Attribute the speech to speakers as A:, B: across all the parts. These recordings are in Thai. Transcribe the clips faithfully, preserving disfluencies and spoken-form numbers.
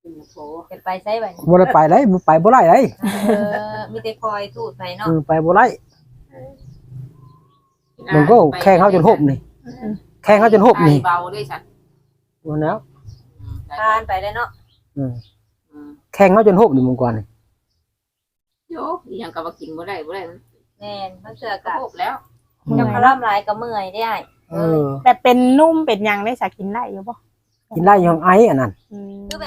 A: เป็นไปใช้บัด
B: บ่ได้ไปได้ไปบ่ได้ได้
A: เออมีแต่คอยทูดไปเนาะ
B: เออไปบ่ได้มันก็แข่งเฮาจนหบนี่แข่งเฮาจนหบนี่
C: เบาด้วยฉัน
B: ว่าแล้ว
A: ทานไปได้เนาะ
B: อืมแข่งเฮาจนหบนี่มึงก่อนนี่
C: โยยังกับว่ากินบ่ได้บ่ได้
A: แม่นมันเสือ
C: ก็
A: กะ
C: พบแล้ว
A: ยังพร่ำลายก็เมื่อยได้
B: เออ
D: แต่เป็นนุ่มเป็นหยังได้สักกินได้อยู่บ่
B: กินได้ยังไออันนั้น
D: อืม
A: คือแบบ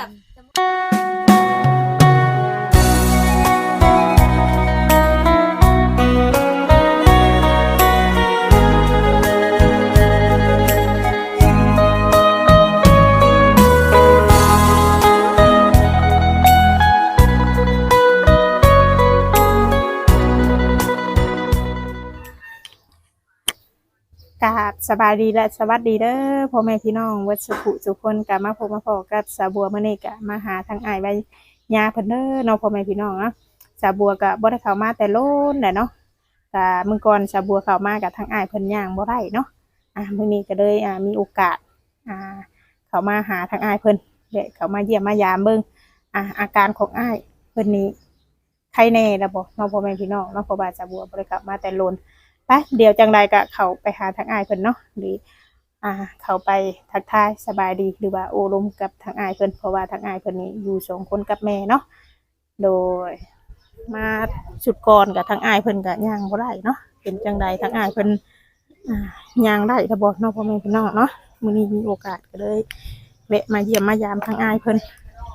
D: กราบสบายดีและสวัสดีเด้อพ่อแม่พี่น้องวัดสุขุทุกคนกลับมาพบมาพอกับสาบัวมื้อนี้ก็มาหาทางอ้ายใบยาเพิ่นเด้อเนาะพ่อแม่พี่น้องเนาะสาบัวก็บ่ได้เข้ามาแต่โลนแหละเนาะก็มื้อก่อนสาบัวเข้ามากับทางอ้ายเพิ่นย่างบ่ได้เนาะอ่ะมื้อนี้ก็เลยอ่ามีโอกาสอ่าเข้ามาหาทางอ้ายเพิ่นเดี๋ยวเข้ามาเยี่ยมมายามเบิ่งอ่ะอาการของอ้ายเพิ่นนี้ใครแน่ล่ะบ่เนาะพ่อแม่พี่น้องเนาะเพราะว่าสาบัวบ่ได้เข้ามาแต่โลนไปเดี๋ยวจังใดก็เข้าไปหาทางอ้ายเพิ่นเนาะหรืออ่าเข้าไปทักทายสบายดีหรือว่าโอ้ลมกับทางอ้ายเพิ่นเพราะว่าทางอ้ายเพิ่นนี่อยู่สองคนกับแม่เนาะโดยมาสุดก่อนกับทางอ้ายเพิ่นก็ย่างบ่ได้เนาะเป็นจังใดทางอ้ายเพิ่นอ่าย่างได้ถ้าบ่เนาะพ่อแม่พี่น้องเนาะมื้อนี้มีโอกาสก็เลยแวะมาเยี่ยมมายามทางอ้ายเพิ่น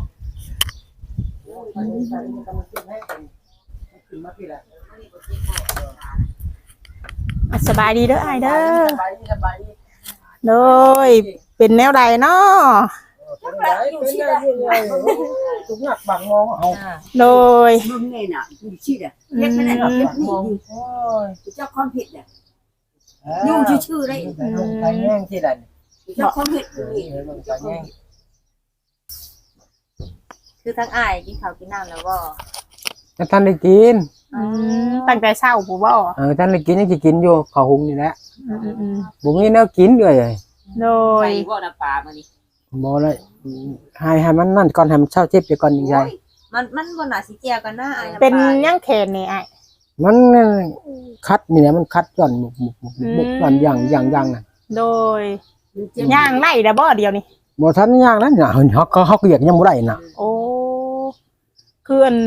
D: สบายดีเด้ออ้ายเด้อโดยเป็นแนวใดเนาะ
B: เป็นไดเป็นไดทุกหนักบังมองเอา
D: โดย
E: มึงเนี่ยน่ะมึงชี้อ่ะเรียกไม่ได้หรอกเรียกนี่เจ้าความผิดอ่ะยุ่งชื่อๆเลย
B: ลงไปแย่งที่ใด
E: เจ้าความผิด
B: ลงไปแย่ง
A: คือทั้งอ้ายกินข้าวกินน้ำแล้วบ่
B: แล้วท่านได้กิน
D: อืมตั้งแต่เช้าผู้บ่
B: เออท่านได้กินยังสิกินอยู่ข้าวหุงนี่แหละ
D: อืมอืม
B: บ่มีแนวกินเลย
D: โด
C: ไป
D: ย
C: บ่น้ำปลามื้อนี้
B: บ่เลยให้ให้มันนั่นก่อนให้มันเช้าเจ็บไปก่อนยังไง
A: มันมันบ่น่าสิเจียกันนะอ้าย
D: เป็นยังแขนนี่ไอ้
B: มันคัดนี่แหละมันคัดย่อนหมุกหมุกหมุกหมุกย่อนอย่างอย่างอย่างน่ะ
D: โดยย่างไล่ละบ่เดียวนี่
B: บ่ทันอย่างนั้นน่ะเฮาก็เฮาก็เรียกยังบ่ได้น่ะ
D: โอ้คืออัน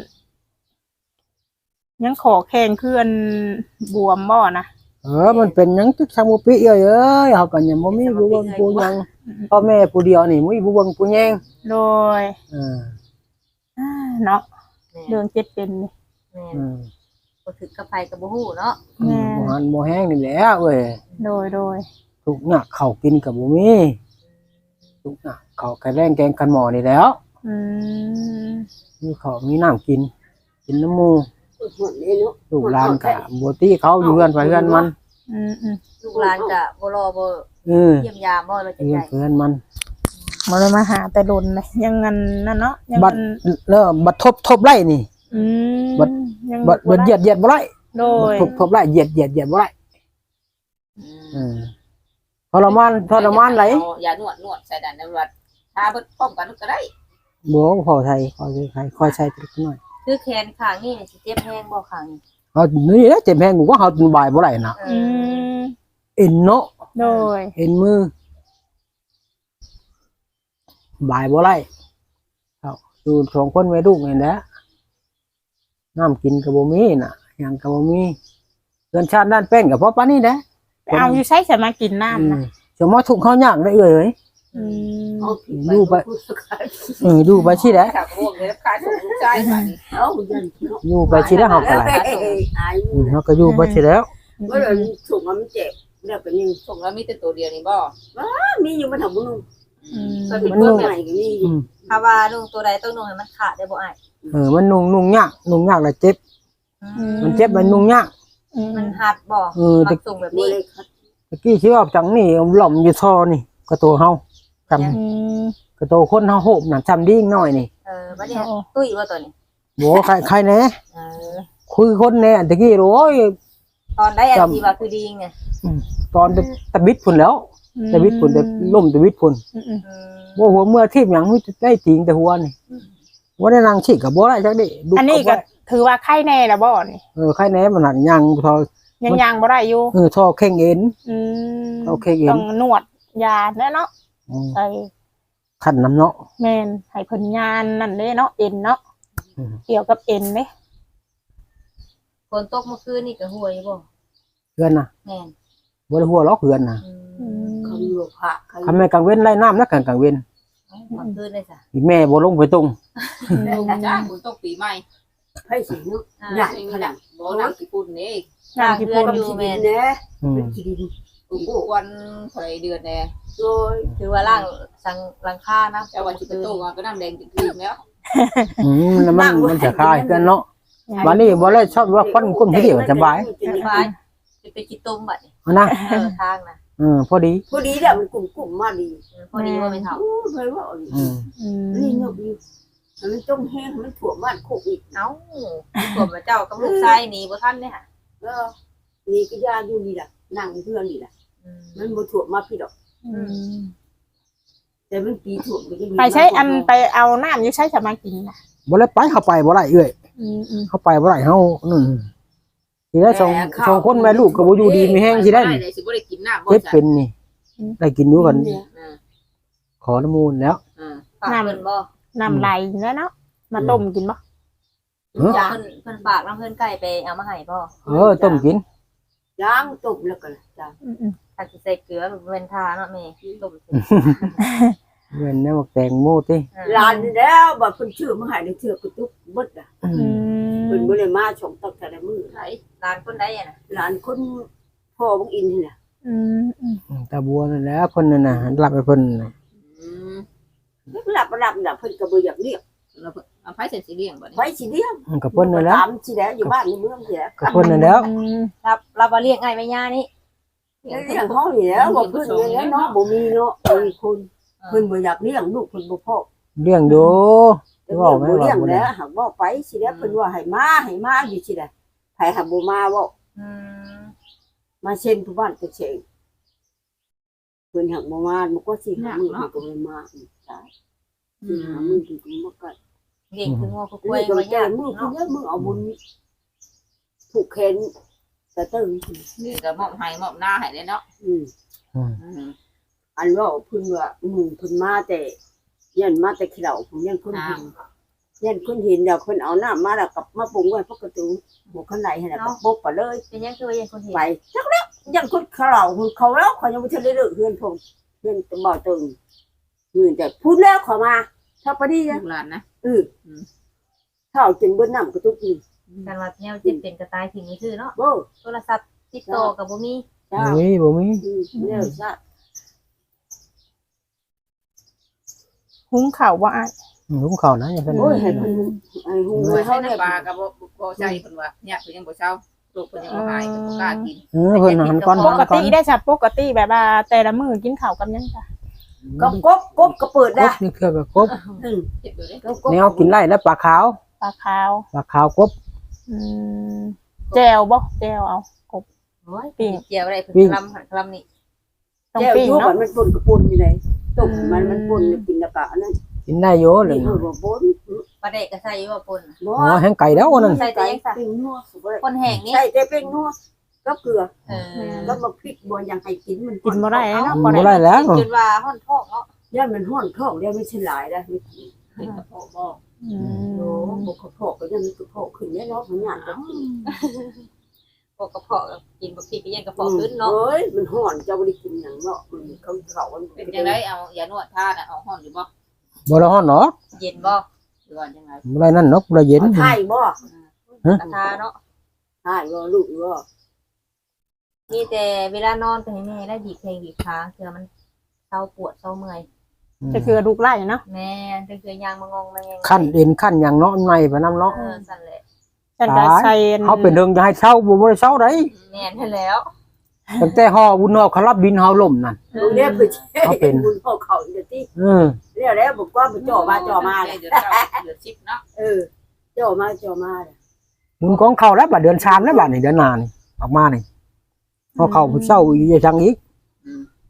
D: ยังขอแข่งคืออันบวมบ่นะ
B: เออมันเป็นหยังจักซังบ่ปิเอ้ยเอ้ยเฮาก็ยังบ่มีผู้เบิ่งผู้หยังพ่อแม่ผู้เดียวนี่มีผู้เบิ่งผู้แยง
D: โดย
B: เออ
D: อ่าเนาะเรื่องเจ็ดเป็นนี่
A: แม่
B: อืม
A: บ่ถึกกับไผก็บ่ฮู้เนาะ
D: แม่
B: บ่หันบ่แห้งนี่แหละเอ้ย
D: โดยโดย
B: ทุกหนักข้าวกินก็บ่มีทุกหนักข้าวไก่แรงแกงกันหม้อนี่แหล้ว
D: อืม
B: มีข้าวมีน้ำกิน กินน้ำหมู
E: หมดเลยเนาะ
B: ลูกหลานก็บ่ตีเขาอยู่เฮือนไปเฮือนมัน
D: อืมอืม
A: ลูกหลานก็บ่รอบ่
B: เออ
A: เยี่ยมยามบ่เลยจัง
B: เฮือน
A: ได๋
B: เฮือนมัน
D: มาเลยมาหาแต่โดนเลยยังงันนั่นเนาะยัง
B: บั
D: งั
B: ด
D: น
B: แล้วบัดทบทบไร่นี่
D: อืม
B: บัด
D: ยัง
B: บัดบัดเหยียดเหยียดบ่ไร่
D: โดย
B: ทบทบไร่เหยียดเหยียดเหยียดบ่ไร่
A: อืม
B: เออทรมานทรมานไหล
C: อย่านวดนวดใส่ดันตำรวจถ้าเพิ่นพร้อมกันก็ได้
B: บ่พอไทยคอยใช้คอยใช้ตริกน้อย
A: คือแขนข้างนี้นี่สิเจ็บแฮงบ่ข้างนี้
B: เฮานี่แหละเจ็บแฮงกูว่าเฮาบ่ายบ่ได้น่ะ
A: เอ
D: อื
A: อ
D: ม
B: เอ็นเนาะ
D: โดย
B: เอ็นมือบ่ายบ่ไรเอาดูสองคนไว้ลูกนี่แหละน้ำกินกับบ่มีน่ะหยังกับบ่มีเรือนชาติด้านเป็นกับพ่อปานนี้แหละ
D: ไปเอาอยู่ใช้สมากินน้ำนะ
B: สมมติทุกข์เขายากได้เอ่ย
D: อืม
E: เอาผิด
B: ดูไปเออดูไปสิแหละ
C: ถ้าพวกนี้ขายส่งลูกชายมานี่
E: เอายันเนาะ
B: อยู่ไปสิแล้วเฮาก็ไหล
E: อาย
B: อืมเฮาก็อยู่ไปสิแล้ว
E: เมื่อเราส่งมันเจ็บแล้วก็ยัง
C: ส่งแล้วมีแต่ตัวเดียวนี่บ่
E: มีอยู่มาทำมึง
D: อืม
E: ก็เป็นตัวใหม่ก็มีอยู่
A: ถ้าว่านุ่งตัวใดต้องนุ่งให้มันขาดได้บ่อ้าย
B: เออมันนุ่งนุ่งยากนุ่งยากแล้วเจ็บ มันเจ็บมันนุ่งยาก
D: อืม
A: มันหัดบ่
B: เออ
A: มั
B: ตะ
A: นส่งแบบ
E: บ่
A: นี้
E: เลยคัด
B: ตะกี้สิว่าจังนี่หล่อมอยู่ท่อนี่ก็ตัวเฮาจำ
D: อืม
B: ก็ตัวคนเฮาโหบน่ะจำดิ้งน้อยนี่
A: เออบัดนี้ตุ้ยว่าตัวนี้
B: บ่ใครใครแน่
A: เออ
B: คุยคนแน่ตะกี้โอ้ย
A: ตอนได้อันที่ว่าคือดีไง
B: ตอนตะบิดพุ่นแล้วตะบิดพุ่นแต่ล่มตะบิดพุ่น
D: อืมอืม
A: อืม
B: บ่หัวเมื่อทีบหยังมีได้ติงแต่หัวนี่บ่ได้นั่งฉีกก็บ่ได้จักดิดุ
D: อันนี้ก็ถือว่าไข้แน่แล้วบ่นี่
B: เออใครแหน่มันหันยังทอ
D: ยังยังบ่ได้อยู่
B: เออทอเข่งเอ็น
D: อืม
B: โอเคเอ็น
D: ต้องนวดยาแน่เนาะ
B: อืม
D: ใส่
B: คันน้ำเนาะ
D: แม่นให้เพิ่นยานนั่นเด้เนาะเอ็นเนาะ
B: อืม
D: เกี่ยวกับเอ็นเด้
A: ฝนตกเมื่อคืนนี่ก็ห่วยบ่
B: เพื่อนน่ะ
A: แม่น
B: บ่ได้หัวล็อกเพื่อนน่ะ
A: อืม
E: เขาอยู่พระเขา
B: ทำไมกลางเว้นไล่น้ำนะกลางกลางเว้น
A: เอ้าเมื่อคืนเลยจ้ะ
B: อีแม่บ่ลงไปตรง
C: ลงจ้าบุญตกปีใหม่
E: ให้สิเนาะ
A: อ่า
E: ใหญ่
C: ไม่
E: ข
C: มี
E: นา
C: หนั
E: ด
C: งบ่หนังกี่ปุ่นนี่
D: น้ำที่พ่น
A: อยู่แม่น
E: แน่
B: อืม
E: เป็นขี้ดิน
C: อุปวันไฟเดือนแน่
E: โดย
A: ถือว่าล่างสังหลังคานะ
C: เจ้าวันที่ประตูมาก็น้ำแดงจริงๆแล้ว
B: อืมแล้วมันมันจะคลายกันเนาะวันนี้บ่ได้ชอบว่าควันกุ้มที่เดียวสบาย
A: สบายจะไปกินต้มบัดนี่
B: เอานะ
A: เออทางนะ
B: เออพอดี
E: พอดีแหละมันกลุ่มกลุ่มมาดี
A: เออพอดีว่าไม่เท่า
E: โอ้เคยว่าเอาดิ
B: อืม
D: อืม
E: นี่เนาะอยู่มันต้องแห้งมันถั่วบ้านโคกอีก
A: เอ้าผมเจ้ากับลูกชายหนีบ่ทันเด้ค่ะ
E: เออนี่ก็ยาอยู่นี่แหละนั่งเพื่อนนี่แหละ
A: อืม
E: มันบ่ถั่วมาพี่ดอก
D: อืม
E: แต่มันปีถั่วมันจะมี
D: ไปใช้อันไปเอาน้ำอยู่ใช้สมากินน่ะ
B: บ่ได้ไปเข้าไปบ่ได้เอ้ย
D: อืมอืม
B: เข้าไปบ่ได้เฮานั่นสิได้สองสองคนแม่ลูกก็บ่อยู่ดีมีแฮงสิได้นี่
C: เลยสิบ่ได้กินน้ำบ่
B: เจ็บ
C: จ้ะ
B: เป็นนี่ได้กินอยู่กัน
E: เนี่ย
C: อ่า
B: ขอน้ำมูลแล้ว
C: อ่า
A: ฝากเพิ่นบ่
D: น้ำไหลแล้วเนาะมาต้มกินบ่
B: เออ
A: เพิ่นเพิ่นฝากน้ำเพิ่นไก่ไปเอามาให้บ่
B: เออต้มกิน
E: ล้างตุ่มแล้วก็จ้า
D: อืมอืม
A: ถ้าสิใส่เกลือเว้นทาเนาะแม่ต้มสิ
B: เว้นแนวแตงโมติ
A: เออ
E: ลานนี่แล้วบ่เพิ่นชื่อมาให้ได้เทื่อกระตุกเบิดอ่ะ
B: อื
D: อื
B: ม
E: เพิ่น
D: ม
E: บ่ได้มาชมตั้งแต่ละมื้อ
A: ไหนร้านคนใดอ่ะน่ะ
E: หลานคนพ่อบังอินนี่น่ะ
D: อืมอืม
B: ตาบัวนั่นแหละเพิ่นนั่นน่ะรับให้เพิ่นน่ะ
C: อืม
E: หลับบ่หลับน่ะเพิ่นก็บ่อยากเรียก
C: เราเอาไฟเสร็จสีเลี้ยงบ่
E: ไผ
C: นี่
E: สิเลี้ยง
B: มันก็เพิ่นนั่นแหละ
E: ตามสิแล้วอยู่บ้านในเมืองสิแล้ว
B: ก็เพิ่นนั่นแล้ว
D: อืม
A: รับรับบ่เลี้ยงไอ้แม่ย่านี่
E: เลี้ยงเฮานี่แล้วบ่เพิ่นเลี้ยงเนาะบ่มีเนาะมีคนเพิ่นบ่อยากเลี้ยงลูกเพิ่นบ่พอ
B: เลี้ยงอยู่
E: แต่ว่าบ่เลี้ยงแล้วหากว่าไปสิแล้วเพิ่นว่าให้มาให้มาอยู่สิได้ไผหาบ่มาเว้า
A: อืม
E: มาเช่นผู้บ้านก็เช่นเพิ่นหักบ่มามันก็สิหามื้อมันก็บ่มาอีกตายสิหามื้อมันก็บ่มา
A: เด็กคืองัวคือ
E: คุ
A: กล้วย
E: ย
A: บ่
E: กับแก
A: ยาก
E: มือคุ
A: เนาะ
E: ยมือเอาบุญผูกแขนแต่ตึง
C: นี่ก็มอบให้มอบหน้าให้เลยเนาะ
E: อืม
B: อืม
C: อืม
E: อันว่าเพิ่นว่ามือเพิ่นมาแต่ยันมาแต่ขี้เหล่าผมยันคนเห็นยันคนเห็นเดี๋ยวเพิ่นเอาน้ำมาแล้วกับมาปรุงไว้ปกติหัวข้างในให้แล้วก็ปกไปเลย
A: เป็นยังคือว่ายังคนเห็น
E: ไปจักแล้วยันคนขี้เหล่าเขาแล้วเขายังบ่ทันได้เลิกเฮือนผมเฮือนตะบ่อตึงมือแต่พูดแล้วขอมาถ้าปดี
C: ลู
E: นะ
C: กหลานนะ
E: เออถ้าเอาจนเบิ้น้ำก็ตุกอีก
A: กันว่าแนวเจ็บเป็นกระต่ายทิ้งนี่คือเนาะ
E: โอ้
A: โทรศัพท์ติดต่อก็บ่มี
E: จ้า
B: บ่มีบ่มี
E: อืมเนี่ยซะ
D: หุงข้าวบ่อ้าย
B: ลุงเขานะอย่าเพิ่น
E: โอ้ยให้เพิ่นให้ฮู้
C: ไว้
E: ให้
C: ให้
E: เขาเนี่ย
C: น้ำปลาก็บ่บ่ใจเพิ่นว่าเนี่ยเพิ่นยังบ่เช้าลูกเพิ่นยังบ่หายเพิ่นบ่กล้ากิน
B: เออเพิ่นหันก่อน
D: ป
B: หัน
D: ก
B: ก่อ
D: ติ
B: น
D: ได้จ้ะปกติแบบว่าแต่ละมื้อกินข้าวกับหยังจ้ะ
E: ก็กบกบก็เปิด
B: ก
E: ได้
B: บนี่คือก็กบ
E: อืม
C: เจ็บอยู่เด้
E: ก็กบ
B: แนวกินไร่และปลาขาว
D: ปลาขาว
B: ปลาขาวกบ
D: อืมแจ่วบ่แจ่วเอา
A: โอ้ย
D: ปิ้ง
A: เจียวได้เพิ่นคลำหันคลำนี่
D: ต้อง
E: แก้ว
D: ปิ้ง
E: ยูบั
D: เนาะ
E: นมันปนกระปุนอยู่ไหนต้มมันมันปนกินแล้วก็อันนั้น
B: กินได้อยู่เล
E: นี่
B: ย
E: เออบ่ปน
A: ปลาเด็กก็ใส่อยู่ว่าปน
E: บ่
B: อ๋อแห้งไก่แล้วอันนั้น
A: ใส่แต่ยังซะ
E: ปิ้งนัวสุดเลย
A: คนแห้งนี่
E: ใช่แต่ปิ้งนัวก็เกลือ
A: เออ
E: แล้วมาพริกบ่ยังให้กินมัน
D: กินบ่ได้เนาะ
B: บ่ได้แล้ว
A: จนว่าฮ้อนท้องเนาะ
E: ย่ามันห้อนท้องแล้วไม่ใช่หลายนะไม่กิน
C: เพิ่นก็พอบ่
D: อื
E: โอ้
D: ม
E: บ่กระเพาะก็ยังมีกระเพาะขึ้นเนี่ยเนาะมันหยาดก็กิน
A: พวกกระเพาะกินบ่ผิดก็ยังกระเพาะขึ้นเนาะ
E: เอ้ยมันห้อนเจ้าบ่ได้กินหยังเนาะมันเขาเขามัน
C: เป็นจังไดเอายานวดทาน่ะเอาห้อนอยู่บ่
B: บ่ได้ฮ้อนเนาะ
A: เย็นบ่
C: หรือว่าจังได
B: บ่ได้นั่นเนาะบ่ได้เย็น
E: เอาไทยบ่
A: กระทาเนาะ
E: ไทยบ่ลูกบ่
A: มีแต่เวลานอนก็ให้แม่ได้บีบแข้งบีบขาเพื่อมันเศร้าปวดเศร้าเมื่อย
D: จะคือลูกไล่เนาะ
A: แม่ก็คือยางมางงมาแงง
B: ขั้นเอ็นขั้นหยังเนาะในไปนํเนาะ
A: เออสั่นแหละ
D: ฉันก็ใส่
B: เฮาเป็นเรื่องจะให้เช้าบ่บ่ได้เช้าได้
A: แม่นให้แล้ว
B: ตั้งแต่ฮอบุญฮอเขารับบินเฮาล่มนั่น
E: ลูกเนี่ยเพิ่น
B: เขาเป็น
E: บุญพ่อเขาอีกติ
B: เออ
E: แล้วแล้วบอกว่ามันจ่อมาจ่อมา
C: เดื
E: เลย
C: อนเก้าเดือนสิบเนาะ
E: เออจ่อมาจ่อมาเลย
B: บุญของเขาแล้วบัดเดือนสามแล้วบัดนี่เดือนหน้านี่ออกมานี่พอเข้าเช้าอีกจังอีก
C: อืม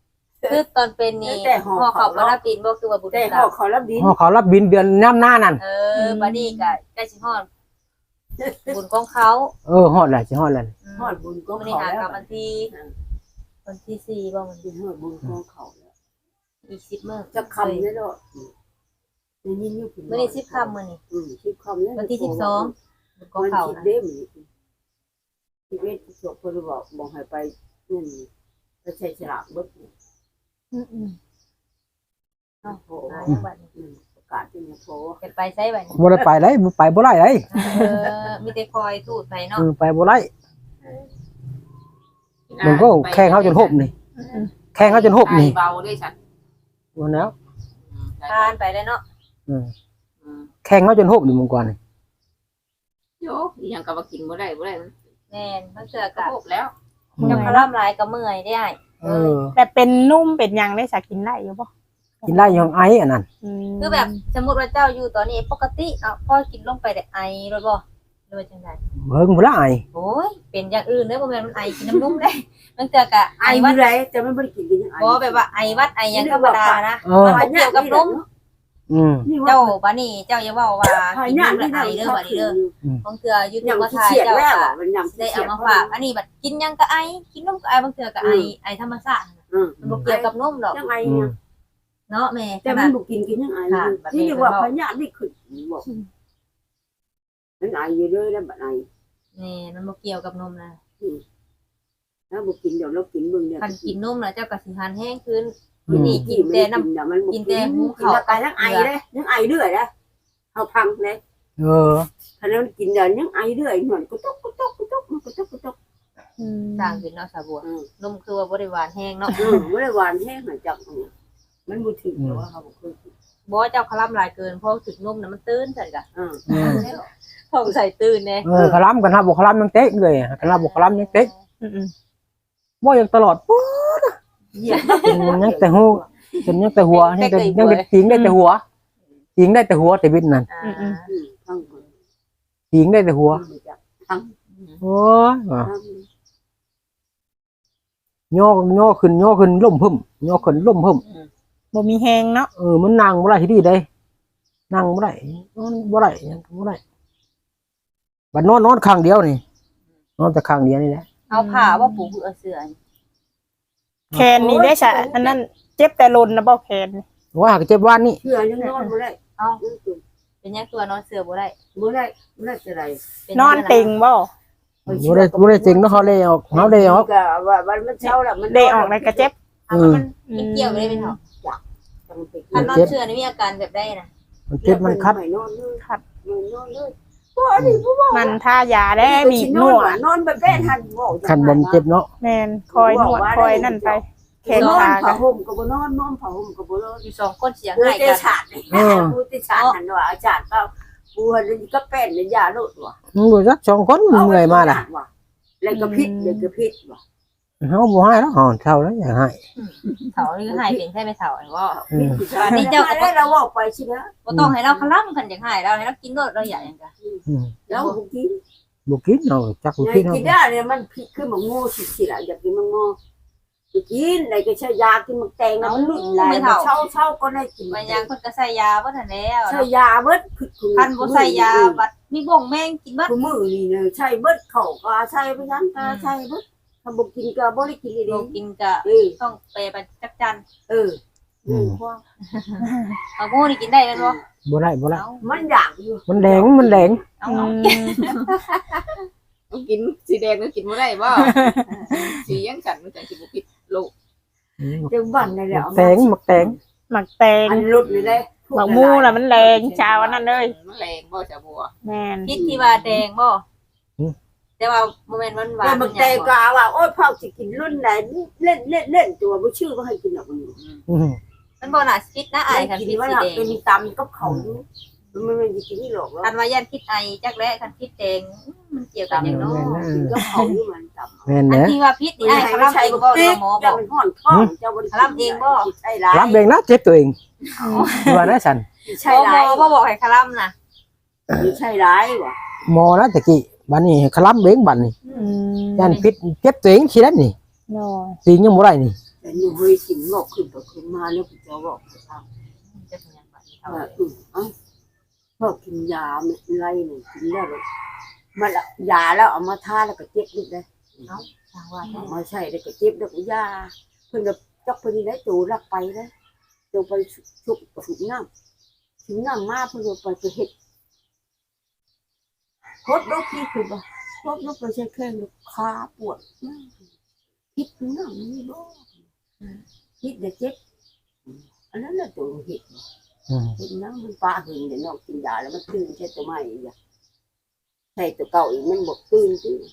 A: คือตอนเป็นนี่
E: แต่ห่อ
A: ห่อ
E: เขา
A: เขาบ่รับดินบ่คือว่าบุญ
E: แต่
A: ตา
E: เขาเขารับดิน
B: อ๋อเขารับบินเดือนน้ำหน้านั่น
A: เออบัดนี้ก็ใกล้สิฮอดบุญของเขา
B: เออฮอดแหละสิฮอดแล้ว
E: ฮอดบุญก็
A: มื้อนี้
E: เขา
A: หา
E: แล้ว
A: กับวันที่วันที่สี่บ่มัน
E: ฮอดบุญก็เขาแล้ว
A: อีกสิบมื้อ
E: จะคำนี่เนาะนี่นี่
A: มื้อนี้สิบค่ำมื้อนี้
E: อืมสิบคำแล้ว
A: วันที่สิบสองบุญของ
E: มัน
A: เขา
E: คิด
A: นะ
E: เด้มชีวิตจบเพิ่นบอกบอกให้ไปนู่นไปใช้ฉลากเบิด
D: อืม
E: โอ้โห
A: หาจังหวัดนี้
E: ประกาศที่นี่โผ
A: จะไปไสบัดนี้
B: บ่ได้ไปได้บ่ไปบ่ได้ได้
A: เออมีแต่คอยทูดไปเนาะ
B: เออไปบ่ได้มันก็แข่งเขาจนหบนี่แข่งเขาจนหบนี่
C: เบาด้วยฉัน
B: วันแล้ว
A: ทานไปแล้วเนาะ
B: เออแข่งเขาจนหบนี่มึงก่อนนี่
C: โยอีหยังก็ว่ากินบ่ได้บ่ได้มัน
A: แม่นมันเสือ
C: ก็
A: กะ
C: พบแล้ว
A: เจ้าคร่ำลายก็เมื่อยได้
B: เออ
D: แต่เป็นนุ่มเป็นหยังได้สักกินได้อยู่บ่
B: กินได้อยังไออันนั้น
D: ม
A: คือแบบสมมุติว่าเจ้าอยู่ตอนนี้ปกติเนาะพอกินลงไปได้ไอรถบ่หรือว่าจังได
B: เบิ่งบ่ได้ไอ
A: โอ้ยเป็นอย่างอื่นเด้อบ่แม่นมันไอกินน้ำนุ่มได้มันเสือกะ
E: ไอ้
A: ไอ
E: วั
A: วั
E: ด
A: ด
E: ไรจะไม่บริกินกันยังไง
A: บ่แบบว่าไอวัดไอหยังธรรมดานะ
B: เออ
A: มันบ่เกี่ยวกับนม
B: อืม
A: เจ้าบัดนี้เจ้าอย่าเว้าว่า
E: หอย
A: กิน
E: ห
A: น
E: น้าม
A: แล้ว
E: ที่
A: ไอ
E: ไหน
A: เด้อ
E: เขา
A: บัดนี้
E: ถือ
A: เด้อ
E: อยู่
A: บางเทื่ออยู่
E: ยั
A: ตัว
E: ง
A: ก็
E: ขี้
A: ทาย
E: เกียจ
A: เจ้า
E: แล้ว
A: ก็
E: มันยัง
A: ได้เอามาฝากอันนี้บัดกินหยังก็ไอกินนมก็ไอบางเทื่อก็ไอไอธรรมชาติ
E: อืม
A: มันบ่เกี่ยวกับนมดอก
E: ยังไง
B: อื
E: เนี่
B: ม
E: ย
A: เนาะแม่
E: แต่มันบุกินกินยังไงที่เรียกว่าพญานี่ขึ้นบอกนั่นไออยู่ด้วยแล้วแบบไอ
A: นี่มันบ่เกี่ยวกับนมนะ
E: แล้วบุกินเดี๋ยวเรากินมึงเนี่ย
A: คันกินนมแล้วเจ้าก็สิหันแห้งขึ้น
B: อืม
A: นี่กินแต่น้ำ
E: เดี๋ยวมัน
A: กินแต่หู
E: กิน
A: เขา
E: แล้วกายยังไอเลยยังไอเรื่อยเลยเอาพังเลย
B: เออ
E: ถ้าเรากินเดี๋ยวยังไอเรื่อยหน่อยกุต๊กกุต๊กกุต๊กมันกุต๊กกุต๊ก
D: อืม
A: ต่างเป็นเนาะสาบัว
E: อืม
A: นมคือว่าบ่ได้หวานแห้งเนาะ
E: อืมไม่ได้หวานแห้งหน่อยจังเนี่ยมันบุถึงแต่ว่าเขาบอกคือ
A: บ่เจ้าคลํหลายเกินเพราะถึกนมน่ะมันตื่นซั่นกะ
E: อืม
B: อืม
A: ท้องใส่ตื่นแน่
B: เออคลำกันฮะบ่คลำยังเต๊กเลยกันฮะบ่คลำยังเต๊ก
D: อืมอืม
B: บ่ยังตลอดปุ๊บ
E: เหยียบ
B: ยังแต่หูเป็นยังแต่หัวยังแต่ยังแต่ติงได้แต่หัวติงได้แต่หัวแต่วิทย์นั่น
A: อ่า
E: อืมพังก่อน
B: ติงได้แต่หัว
E: พังจับพัง
B: โอ้ย
E: พัง
B: ย่อย่อขึ้นย่อขึ้นล่มพึ่มย่อขึ้นล่มพึ่ม
D: บ่มีแฮงเนาะ
B: เออมันนั่งบ่ได้ที่ดีเด้นั่งบ่ได้นอนบ่ได้ยังบ่ได้บัดนอนนอนข้างเดียวนี่นอนแต่ข้างเดียวนี่แหละ
A: เอาผ้าว่าปูคือเอาเสื้อ
D: แคนนี่ได้ซะอันนั้นเจ็บแต่ลนนะบ่แคน
B: ว่าหากเจ็บวานนี่
E: เชื่อยังนอนไม่ได้
A: เอา
E: ยังตื่น
A: เป็นหยังตัวนอนเสื้อบ่ได้
E: ไม่ได้ไม่ได้จะไร
A: เป็
D: นอนติงบ่
B: บ่ได้บ่ได้จริงเนาะเขาเลยออกเขาเลยออก
E: ก็ว่าวันมันเช้าละมัน
D: ได้ออกในกระเจ็บ
A: เอามันมันเกี่ยวบ่ได้เป็นเฮาคันนอนเสื้อนี่มีอาการแบบใดน่ะ
B: มันเจ็บมันคัด
E: ไม่นอนเลย
D: คัด
E: ไม่นอนเลยว่านี่ผู้ว่า
D: มันทายาได้บีบนวด
E: นอนแบบแป้นหันบอก
B: คันบ่มันเจ็บเนาะ
D: แม่นคอยนวดคอยนั่นไปแขน
E: นอน
D: ขา
E: ผ้า
D: กัน
E: ห่มก็บ่นอนนอนผ้าห่มก็บ่นอน
A: อยู่สองคนเสียง
E: เออ
A: ให้
E: เต
A: กัน
E: ชาดผู้เตชาดหันว่าอาจารย์ก็ผู้หันก็แป้นยาโลดว่ะ
B: มึงบ่จักสองคนมึงเงยมาล่ะ
E: แล้วก็พิษแล้วก็พิษว่ะ
B: เฮาบ่ให้แล้วอ่อนเท่าแล้วอย่าให้
A: เฒ่านี่ก็ให้เป็นแค่ไม่เฒ่าไอ้ว่า
B: อืม
E: นี่เจ้าก็ได้เราบอกไปสินะ
A: บ่ต้องให้เราคลํคันอยากให้เราให้เรากินรสเราอยากหยังกะ
B: อืม
E: แล้วบ่กิน
B: บ่กินเนาะจักบ่
E: ไง
B: กินเนาะ
E: กินได้เนี่ยมันพิษคือมันโง่สิๆล่ะอยากกินมันโง่กินได้ก็ใช้ยากินมันแตงแล้วมันลุ่นหลายเช้าเช้าก็ได้กิน
A: มันยังเพิ่นก็ใส่ยาบ่ทันแล้ว
E: ใช้ยาเบิดพิษ
A: คันบ่ใส่ยาบัดมีบ่งแมงกินบัด
E: คือมือนี่เนี่ยใช้เบิดเขาก็ใช้ไปนั้นก็ใช้เบิดถ้าบ่กินก็บ่ได้กินเลย
A: บ่กินก็
E: เออ
A: ต้องไปไปจักจัน
E: เอออืม
A: เอาหมูนี่กินได้แม่นบ่
B: บ่ได้บ่ได้
A: เอา
E: มันอยากอยู่
B: มันแดงมันแดง
A: เอา
D: อื
A: เอา
D: ม
C: กินสีแดงก็กินบ่ได้บ่สียังฉันมันจังสิบ่ผิดลูก
E: เต็มบ้านนั่นแหละ
B: แตงมักแตง
D: หมักแตง
E: อันลุดเลยเลย
D: หมักมูน่ะมันแรงชาวอันนั้นเลย
C: มันแรงบ่จ้ะบัว
D: แม่น
A: พิษที่ว่าแดงบ่แต่ว่าบ่แม่นมันหวา
E: แต่
A: น
E: มันแต่ก็ว่าโอ้ยพ่อสิกินรุ่นไหนเล่นเล่นเล่นตัวบ่ชื่อบ่ให้กินหรอกมัน
B: อืม
A: มันบ่น่าพิษนะไอ้คัน
E: กิน
A: พิษ
E: ว่า
A: สีแดง
E: เป็นตำกับเขามันไม่ได้กินนี่หรอก
A: คันว่ายันพิษไอจักแล้คันพิษแดงมันเกี่ยวกันหยังเนาะ
E: กินกับเขานี่มันตำ
B: แม่น
A: อัน
B: เด้อ
A: ที่ว่าพิษนี่ไอ้คลำเองบ่เนาะหมอบ่
E: เจ้าเป็นห่อนท้องเจ้าบ่ใช่ร้าย
B: รับเองนะเจ็บตัวเองว่านะฉัน
E: ใช่
A: หม
E: ร้า
A: อย บ่บอกให้คลำน่ะ
E: ใช่ร้ายว่ะ
B: หมอนะตะกี้บัดนี้คลำเบงบัดนี้
D: อืม
B: ยันพิษเจ็บตัวเองสิแล้วนี่
D: โน่
B: ตีนยังบ่ได้นี่
E: จแต่หนูเฮ้ยสิงบอกขึ้นก็ขึ้นมาแล้วผมจะบอกจะทำ
A: จะเป็นยังไงเท่า
E: ว่าอือเอ้าพอกินยาไม่ไรหนึ่งกินแล้วเลยมันละยาแล้วเอามาทาแล้วก็เจ็บนิดเลย
A: ทางว่า
E: เอามาใช่แล้วก็เจ็บแล้วก็ยาเพิ่นก็จักเพิ่นนี่ได้ตูรักไปเลยตูไปชุบถุงน้ำถุงน้ำมาเพิ่นก็ไปไปเฮ็ดโคตรลูกพี่คือบ่โคตรลูกไปใช้แข้งลูกขาปวดพิษถุงน้ำนี่บ่พิษเด็กเจ็บอันนั้นแหละตัวเห็ด
B: อืม
E: เห็ดน้ำมันปลาหึงเดี๋ยวนอกกินยาแล้วมันตื่นใช่ตัวใหม่อีกอ่ะใช่ตัวเก่าอีกมันบอกตื่นตื่น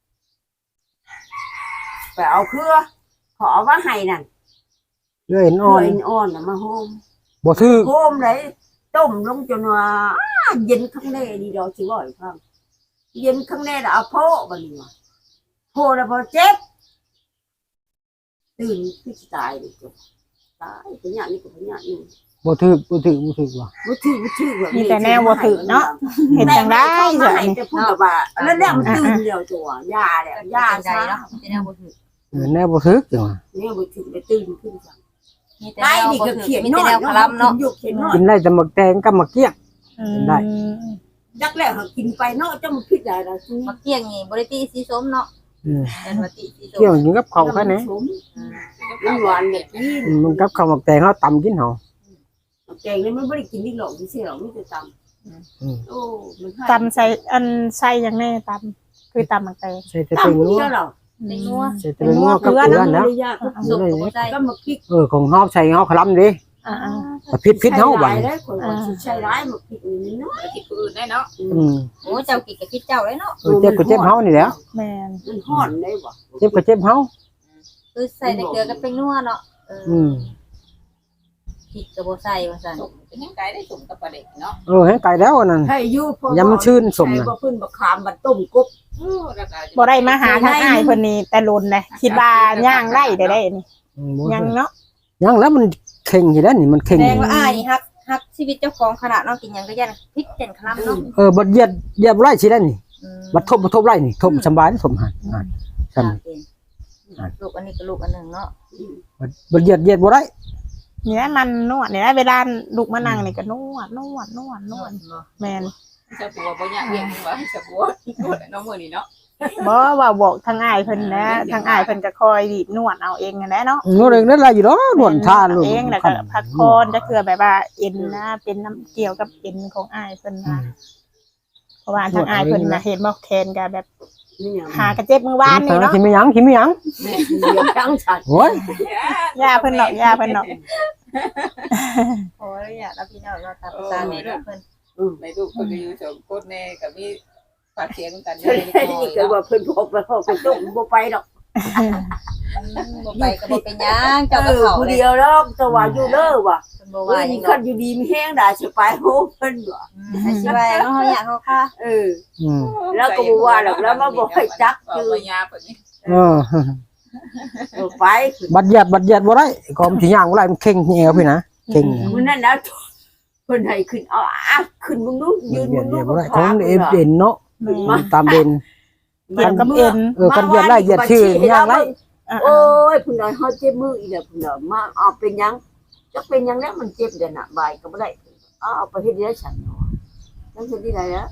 E: ไปเอาเครือขอว่าให้นั่น
B: เลื่อย
E: อ่
B: อ่
E: อ
B: อน
E: นอ่อนน่ะมาโฮม
B: บ่ถือ
E: โฮมเลยต้มลงจนว่าเย็นข้างในดีดอกสิบ่อยฟังเย็นข้างในแล้วเอาโพบัดนี้ว่าโพแล้วพอเจ็บตื่นคือสิตายเลยจ้ะตายเป็นอย่างนี้ก็เป็นอย่างนี้
B: บ่ถือบ่ถือบ่ถือว่ะ
E: บ่ถือบ่ถือว่า
D: มีแต่แนวบ่ถือเนาะเห็นจังได้
E: จ้ะ
D: จ้ะ
E: นี่
D: นี่
E: จะพูดว่าแล้วเนี่ยมันตื่นเดียวตัวยาเนี่ยยา
A: ใจ
E: ซะ
A: เนาะเป็นแนวบ่ถือ
B: เออแน่บ่ถือจังว่า
E: เนี่ยบ่ถือไปตื่นขึ้นจัง
A: มีแต่
E: ไอ้
A: แนว
E: นี่
A: บ่
E: ก็
A: ถือ
E: เขียน
A: มี
E: น้
A: แต่
E: อย
A: แนวคลำเนาะ
E: อยู่เขียนน้อย
B: กินได้แต่หมักแตงกับหมักเกี้ยง ได้
D: อืม
E: จักแล้วหากินไปเนาะจะมันคิดได้ล่ะซุ
A: มาเกี้ยงนี่บ่ได้ตีสีส้มเนาะ
B: อืม
A: เป็นว่าตีสีส้
B: เกี้ยง
A: ม
B: กินกับข้าวแค่นี้
E: มันหวานแบบนี้
B: อืมมันกับข้าวหมักแตงเฮาตำกินเฮา
E: แกงนี่มันบ่ได้กินนี่หรอกที่เสียหรอกมีแต่ตำ
B: อืม
E: โอ้มันให้
D: ตำใส่อันใส่หยังแน่ตำคือตำมักแตง
B: ใส่แต่เป็น
E: ตำ
B: นัว
E: เดียวหรอ
A: เป็นนัว
B: ใส่แต่เป็นนัวกับเกลือนะ
E: ยากก็
A: สุกก็บ่ใส่
E: ก็มาคิด
B: เออของเฮาใส่เฮาคลำดิ
D: อ่า
B: แต่พิษพิษเฮาบัด
E: ใช้
B: นี้
E: ได้คนว่าสิใช้ร้ายมาคิดนี่น้อย
C: ไปคิดผู้อื่นได้เนาะ
B: อืม
A: โอ้เจ้ากินกับคิดเจ้าเลยเนาะ
B: เออเจ็บก็เจ็บเฮานี่แหละ
D: ๆแม่น
E: มันฮ้อนได้บ่
B: เจ็บก็เจ็บเฮา
A: คือใส่แต่เกลือกับเป็นนัวเนาะเออ
B: อืม
A: พริกก็บ่ใส่ว่าซั่น
C: สมเป็นยังไงได้สมกับประเด็กเนาะ
B: เออให้ไกลแล้วอันนั่น
E: ให้อยู่พอ
B: อย่ามันชื่นสม
E: ใช่
B: นะ
E: บ่เพิ่นบ่ขามบัดต้มกบ
C: โอ้แล้วก็
D: บ่ได้มาหาทางอ้ายเพิ่นนี่แต่ลุนเลยคิดว่าย่างไร่ได้ได้นี่
B: อืมบ่
D: ยังเนาะ
B: ยังแล้วมันเข่งอยู่แล้วนี่มันเข่ง
A: แสดงว่าอ้ายนี่ฮักฮักชีวิตเจ้าของขนาดเนาะกินหยังก็ยันพริกเป็นคลำเนาะ
B: เออบัดเหยียดเหยียบไร่สิได้นี่
A: อืม
B: บัดทบบัดทบไร่นี่ทบสำบายทบหันอ่านซั่น
A: ลูกอันนี้ก็ลูกอันหนึงเนาะ
B: บัดบัดเหยียดเหยียดบ่ได้
D: นี่แหละมันนวดนี่แหละเวลาลูกมานั่งนี่ก็นวดนวดนวดนวดแม่น
C: เจ้าผัวบ่อยากเลี้ยงว่าให้เจ้าผัวพูดน้องมื้อนี้เนาะ
D: บ่ว่าบอกทางอ้ายเพิ่นนะทางอ้ายเพิ่นก็คอยบีบนวดเอาเองนั่นแหละเนาะ
B: นวดเองนั่นล่ะอยู่ดอกนวดทานลูก
D: เองแล้วก็พักผ่อนจะคือแบบว่าเอ็นนะเป็นน้ำเกี่ยวกับเอ็นของอ้ายเพิ่นนะเพราะว่าทางอ้ายเพิ่นน่ะเห็นบ่แคนก็แบบ
E: นี่หยัง
D: หากระเจ็บมือวานนี่เนาะ
B: คิดไม่หยังคิดไม่หยัง
E: แม่เลี้ยงทั้งฉัน
B: โอ้ย
D: ยาเพิ่นเนาะยาเพิ่นเนาะ
A: โอ้ยอยากรับพี่น้องเนาะตามภาษาแม่ลูกเพิ่น
C: ในลูกเพิ่นก็อยู่สองคนแน่ก็มีปากเสียงกัน
E: ใช่
C: ได้
E: นี่ก็ว่าเพิ่นบอกไปเขาไปต้มบ่ไปดอก
A: บ่ไปก็บ่เป็นหยังเจ้า
E: เอ
A: ก็
E: อ
A: เข้า
E: ผู้
A: เลย
E: เดียวดอกแต่ว่าอยู่เด้อว่ะ
A: เพิ่นบ่
E: ว่า
A: ว่าห
E: นี่
A: ยัง
E: คันอยู่ดีมีแห้งได้สิไปโหเพิ่นว่ะ
A: ให้สิว่าเนาะเฮาอยากเฮาค่ะ
E: เออ
B: อืม
E: แล้วก็บ่ว่าหรอกแล้วมาบอกให้จัก
C: คื
E: คือ อ
C: ยาแบบนี้
B: เออ
E: เออไป
B: บัดเหยียดบัดเหยียดบ่ได้ก็มันสิย่างบ่ได้มันเข่งแอวพี่นะเข่ง
E: มื้อนั้นแล้วเพิ่นให้ขึ้นเอาอ่ะขึ้นมึงดูยืน
B: เหยี
E: มึ
B: ยด
E: ง
B: เห
E: ดู
B: ยียดบ่ได้ของเอ็นเด่นเนาะ
D: แม่
B: ตามเด่น
D: เกี่ยวกับเอ็น
B: เออกันเหยียดไล่เหยียดชื่อย่างไร
D: อ่า
E: โอ้ยเพิ่นได้เฮาเจ็บมืออีแล้วเพิ่นน่ะมาเอาเป็นหยังจักเป็นหยังแล้วมันเจ็บเด้อน่ะบายก็บ่ได้เอาเอาไปเฮ็ดได้ฉันเนาะจังเฮ็ดได้แล้ว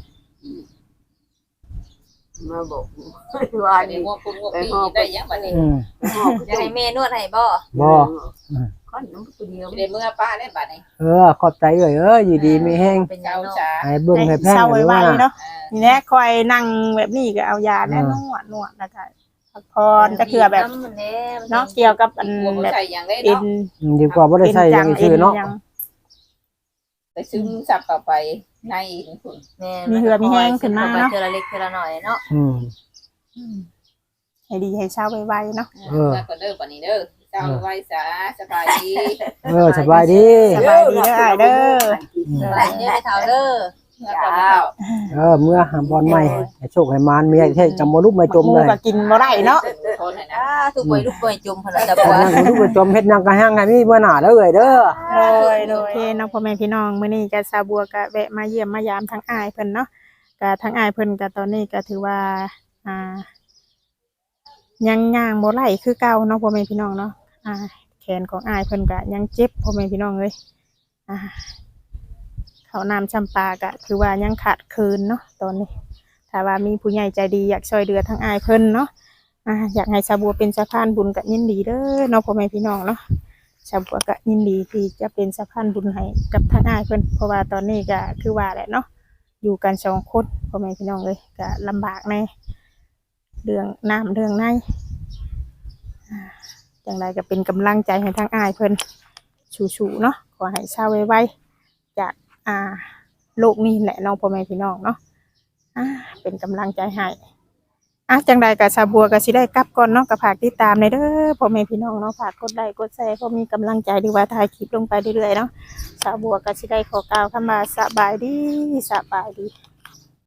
E: มาบอกว่า
C: อันนี้
E: นี่
C: งวกกุ้งงวกปีได้ยังบัดนี้
B: อืม
A: จะให้แม่นวดให้บ่
B: บ่
E: ค่อนน้ำตัวเดียว
C: สิได้เมื่อป้าได้บัดนี้
B: เออขอบใจเอ้ยเอ้ยอยู่ดีมีแห้ง
A: เป็นหยั
C: เจ้าง
A: เนาะ
C: จ๋า
B: ให้เบิ่งให้แพง
D: เศร้า
B: กัน
D: ไว้
B: ว่า
D: ๆเนาะนี่แหละคอยนั่งแบบนี้ก็เอายาแล้วนวดนวดแล้วก็พักผ่อนจะคือแบบเนาะเกี่ยวกับอัน
C: หัวบ่
D: แบบ
C: ใส่หยังได้
D: เอ็
C: เนาะ
D: น
B: อืมดีกว่าบ่ได้ใช้อยังชื่อเนาะ
D: ยัง
C: แต่ซึมซับเข้าไปในอีกคน
A: แม่
D: มีเหือมีแห้งขึ้นมาเนาะ
A: เทื่อละเล็กเทื่อละน้อยเนาะ
B: อืม
D: ให้ดีให้เช้าไวๆเนาะ
C: เออก็เด้อบัดนี้เด้อเจ้าไว้ซะสบายดี
B: เออสบายดี
D: สบายดีเด้ออ้ายเด้อ
A: หลานเด้อเฒ่าเด้อ
C: เมื่อก่อนเจ้า
B: เออเมื่อหาบอลใหม่ให้โชคให้มานมีให้จำบ่ลุกไม่จม
D: หมู
B: เลย
D: ก็กินบ่ได้เนาะ
C: ทนให้นะ
A: อ่าทุกป่วยลูกป่วยจุ่มเพิ่นละจะ
B: แต่
A: บ่
B: นั่งลุกไม่จมเฮ็ดหยังก็ห้างให้มีเมื่อหน้าเด้อเอ้ยเด้อ
D: โดยโดยโอเคเนาะพ่อแม่พี่น้องมื้อนี้ก็สาวบัวก็แวะมาเยี่ยมมายามทั้งอ้ายเพิ่นเนาะก็ทั้งอ้ายเพิ่นก็ตอนนี้ก็ถือว่าอ่ายังย่างบ่ไหลคือเก่าเนาะพ่อแม่พี่น้องเนาะอ่าแขนของอ้ายเพิ่นก็ยังเจ็บพ่อแม่พี่น้องเอ้ยอ่าข้าวน้ำชำปลาก็ถือว่ายังขาดเคินเนาะตอนนี้ถ้าว่ามีผู้ใหญ่ใจดีอยากช่วยเหลือทั้งอ้ายเพิ่นเนาะอ่าอยากให้สาวบัวเป็นสะพานบุญก็ยินดีเด้อเนาะพ่อแม่พี่น้องเนาะสาวบัวก็ยินดีที่จะเป็นสะพานบุญให้กับทั้งอ้ายเพิ่นเพราะว่าตอนนี้ก็คือว่าแหละเนาะอยู่กันสองคนพ่อแม่พี่น้องเอ้ยก็ลำบากแน่เรื่องน้ำเรื่องในอ่าจังไรก็เป็นกำลังใจให้ทั้งอ้ายเพิ่นชูๆเนาะขอให้เศร้าไวๆจากอ่าโลกนี้แหละน้องพ่อแม่พี่น้องเนาะอ่าเป็นกำลังใจให้อ่ะจังใดกับสาวบัวก็สิได้กลับก่อนเนาะก็ฝากติดตามในเด้อพ่อแม่พี่น้องเนาะฝากกดไลค์กดแชร์เพราะมีกำลังใจหรือว่าถ่ายคลิปลงไปเรื่อยๆเนาะสาวบัวก็สิได้ขอกล่าวคำว่าสบายดีสบายดี